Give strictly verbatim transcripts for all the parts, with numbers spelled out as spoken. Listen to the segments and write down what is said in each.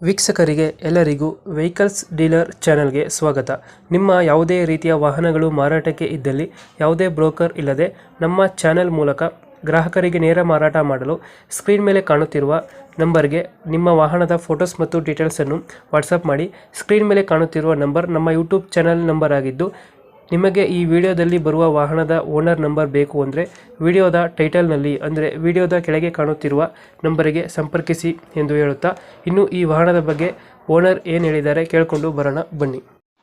ವೀಕ್ಷಕರಿಗೆ ಎಲ್ಲರಿಗೂ vehicles dealer ಚಾನೆಲ್ಗೆ ಸ್ವಾಗತ. ನಿಮ್ಮ ಯಾವುದೇ ರೀತಿಯ ವಾಹನಗಳು ಮಾರಾಟಕ್ಕೆ ಇದ್ದಲ್ಲಿ ಯಾವುದೇ ಬ್ರೋಕರ್ ಇಲ್ಲದೆ ನಮ್ಮ ಚಾನೆಲ್ ಮೂಲಕ ಗ್ರಾಹಕರಿಗೆ ನೇರ ಮಾರಾಟ ಮಾಡಲು ಸ್ಕ್ರೀನ್ ಮೇಲೆ ಕಾಣುತ್ತಿರುವ ನಂಬರ್ಗೆ ನಿಮ್ಮ ವಾಹನದ ಫೋಟೋಸ್ ಮತ್ತು ಡೀಟೇಲ್ಸನ್ನು ವಾಟ್ಸಪ್ ಮಾಡಿ. ಸ್ಕ್ರೀನ್ ಮೇಲೆ ಕಾಣುತ್ತಿರುವ ನಂಬರ್ ನಮ್ಮ ಯೂಟ್ಯೂಬ್ ಚಾನೆಲ್ ನಂಬರ್ ಆಗಿದ್ದು, ನಿಮಗೆ ಈ ವಿಡಿಯೋದಲ್ಲಿ ಬರುವ ವಾಹನದ ಓನರ್ ನಂಬರ್ ಬೇಕು ಅಂದರೆ ವಿಡಿಯೋದ ಟೈಟಲ್ನಲ್ಲಿ ಅಂದರೆ ವಿಡಿಯೋದ ಕೆಳಗೆ ಕಾಣುತ್ತಿರುವ ನಂಬರಿಗೆ ಸಂಪರ್ಕಿಸಿ ಎಂದು ಹೇಳುತ್ತಾ, ಇನ್ನು ಈ ವಾಹನದ ಬಗ್ಗೆ ಓನರ್ ಏನು ಹೇಳಿದ್ದಾರೆ ಕೇಳಿಕೊಂಡು ಬರೋಣ ಬನ್ನಿ.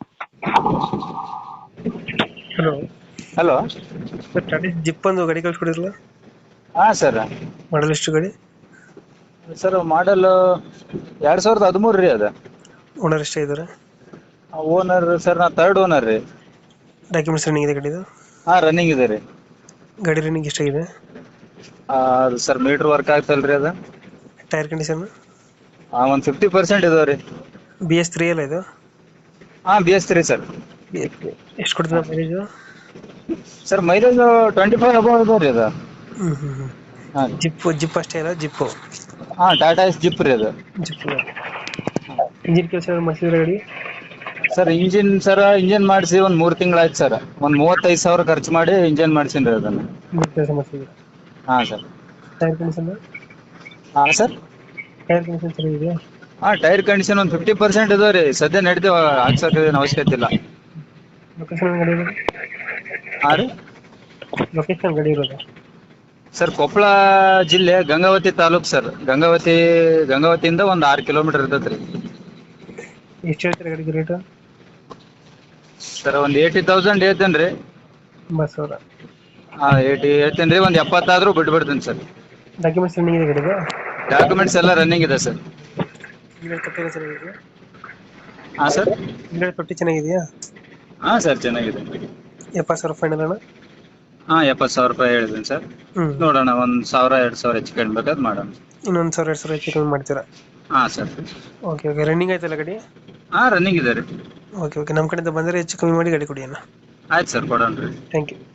Hello hello sir, Tata zip ಒಂದು ಗಾಡಿ ಕಳ್ಸ್ಕೊಡಿರಲ್ಲ, ಹಾಂ ಸರ್. ಮಾಡಲ್ ಎಷ್ಟು ಗಾಡಿ? ಸರ್ ಮಾಡಲ್ ಎರಡು ಸಾವಿರದ ಹದಿಮೂರು ರೀ ಅದು. ಓನರ್ ಎಷ್ಟೇ ಇದ್ದಾರೆ? ಓನರ್ ಸರ್ ನಾ ತರ್ಡ್ ಓನರ್ ರೀ. ಡಾಕ್ಯುಮೆಂಟ್ಸ್ ರನ್ನಿಂಗ್ ಇದೆ ಗಾಡಿದು? ಹಾಂ ರನ್ನಿಂಗ್ ಇದೆ ರೀ. ಗಾಡಿ ರನ್ನಿಂಗ್ ಎಷ್ಟಾಗಿದೆ? ಅದು ಸರ್ ಮೀಟ್ರ್ ವರ್ಕ್ ಆಗ್ತಲ್ಲ ರೀ ಅದು. Tyre condition? ಹಾಂ ಒಂದು ಫಿಫ್ಟಿ ಪರ್ಸೆಂಟ್ ಇದಾವೆ ರೀ. ಬಿ ಎಸ್ ತ್ರೀ ಅಲ್ಲ ಇದು? ಹಾಂ ಬಿ ಎಸ್ ತ್ರೀ ಸರ್. ಎಷ್ಟು ಕೊಡ್ತದೆ mileage? Sir mileage twenty five above ಇದಾವೆ ರೀ ಅದು. ಹ್ಞೂ ಹ್ಞೂ ಹ್ಞೂ ಹಾಂ ಜಿಪ್ ಜಿಪ್ ಅಷ್ಟೇ ಅಲ್ಲ? ಜಿಪ್ಪು ಹಾಂ ಟಾಟಾ ಎಸ್ ಜಿಪ್ ರೀ ಅದು. ಜಿಪ್ ಇಂಜಿನ್ ಕೆಲಸ ಮಾಡಿಸಿದ್ರೆ ಗಾಡಿ? ಸರ್ ಇಂಜಿನ್ ಸರ್ ಇಂಜಿನ್ ಮಾಡಿಸಿ ಒಂದು ಮೂರು ತಿಂಗಳಾಯ್ತು ಸರ್. ಒಂದು ಮೂವತ್ತೈದು ಸಾವಿರ ಖರ್ಚು ಮಾಡಿ ಇಂಜಿನ್ ಮಾಡಿಸೀನಿ ರೀ ಅದನ್ನು. ಇಂಜಿನ್ ಕೆಲಸ ಮಾಡಿಸಿದ್ರೆ? ಹಾಂ ಸರ್. Tyre condition? ಹಾಂ ಸರ್. ಟೈರ್ ಕಂಡೀಷನ್ ಚೆನ್ನಾಗಿದೆಯಾ? ಹಾಂ ಟೈರ್ ಕಂಡೀಷನ್ ಒಂದು ಫಿಫ್ಟಿ ಪರ್ಸೆಂಟ್ ಇದಾವೆ ರೀ. ಸದ್ಯ ನಡೀತೀವಿ, ಹಾಕ್ಸೋಕೆ ಏನು ಅವಶ್ಯಕತೆ ಇಲ್ಲ. ಲೊಕೇಶನ್ ಗಾಡಿ ಇರೋದು? ಹಾಂ ರೀ. ಲೊಕೇಶನ್ ಗಾಡಿ ಇರೋದು ಸರ್ ಕೊಪ್ಪಳ ಜಿಲ್ಲೆ ಗಂಗಾವತಿ ತಾಲೂಕು ಸರ್. ಗಂಗಾವತಿ ಗಂಗಾವತಿಯಿಂದ ಒಂದು ಆರು ಕಿಲೋಮೀಟರ್ ಇರ್ತೈತೆ ರೀ. ಎಷ್ಟು ಹೇಳ್ತೀರಾ ಗಾಡಿಗೆ ರೇಟು? ಸರ್ ಒಂದು ಏಯ್ಟಿ ತೌಸಂಡ್ ಹೇಳ್ತೇನೆ ರೀ. ಒಂಬತ್ತು ಸಾವಿರ? ಹಾಂ ಏಯ್ಟಿ ಹೇಳ್ತೇನೆ ರೀ. ಒಂದು ಎಪ್ಪತ್ತಾದರೂ ಬಿಟ್ಬಿಡ್ತೀನಿ ಸರ್. ಡಾಕ್ಯುಮೆಂಟ್ಸ್ ರನ್ನಿಂಗ್ ಇದೆ ಗಾಡಿಗೆ? ಡಾಕ್ಯುಮೆಂಟ್ಸ್ ಎಲ್ಲ ರನ್ನಿಂಗ್ ಇದೆ ಸರ್. ಇಂಜಿನ್ ತೊಟ್ಟಿ ಚೆನ್ನಾಗಿದೆಯಾ? ಹಾಂ ಸರ್. ಇಂಜಿನ್ ತೊಟ್ಟಿ ಚೆನ್ನಾಗಿದೆಯಾ? ಹಾಂ ಸರ್ ಚೆನ್ನಾಗಿದೆ. ಎಪ್ಪತ್ತು ಸಾವಿರ ಫೈನಲ್ ಅಣ್ಣ? ಹಾಂ ಎಪ್ಪತ್ತು ಸಾವಿರ ರೂಪಾಯಿ ಹೇಳಿದ್ದೀನಿ ಸರ್. ಹ್ಞೂ ನೋಡೋಣ, ಒಂದು ಸಾವಿರ ಎರಡು ಸಾವಿರ ಹೆಚ್ಚು ಕಡಿಮೆ ಬೇಕಾದ್ರೆ ಮಾಡೋಣ. ಇನ್ನೊಂದು ಸಾವಿರ ಎರಡು ಸಾವಿರ ಹೆಚ್ಚು ಕಮ್ಮಿ ಮಾಡ್ತೀರಾ? ಹಾಂ ಸರ್. ಓಕೆ ಓಕೆ ರನ್ನಿಂಗ್ ಆಯ್ತಲ್ಲ ಗಾಡಿ? ಹಾಂ ರನ್ನಿಂಗ್ ಇದೆ ರೀ. ಓಕೆ ಓಕೆ ನಮ್ಮ ಕಡೆಯಿಂದ ಬಂದರೆ ಹೆಚ್ಚು ಕಮ್ಮಿ ಮಾಡಿ ಗಾಡಿ ಕೊಡಿ ಅಣ್ಣ. ಆಯ್ತು ಸರ್, ಕೊಡೋಣ ರೀ. Thank you.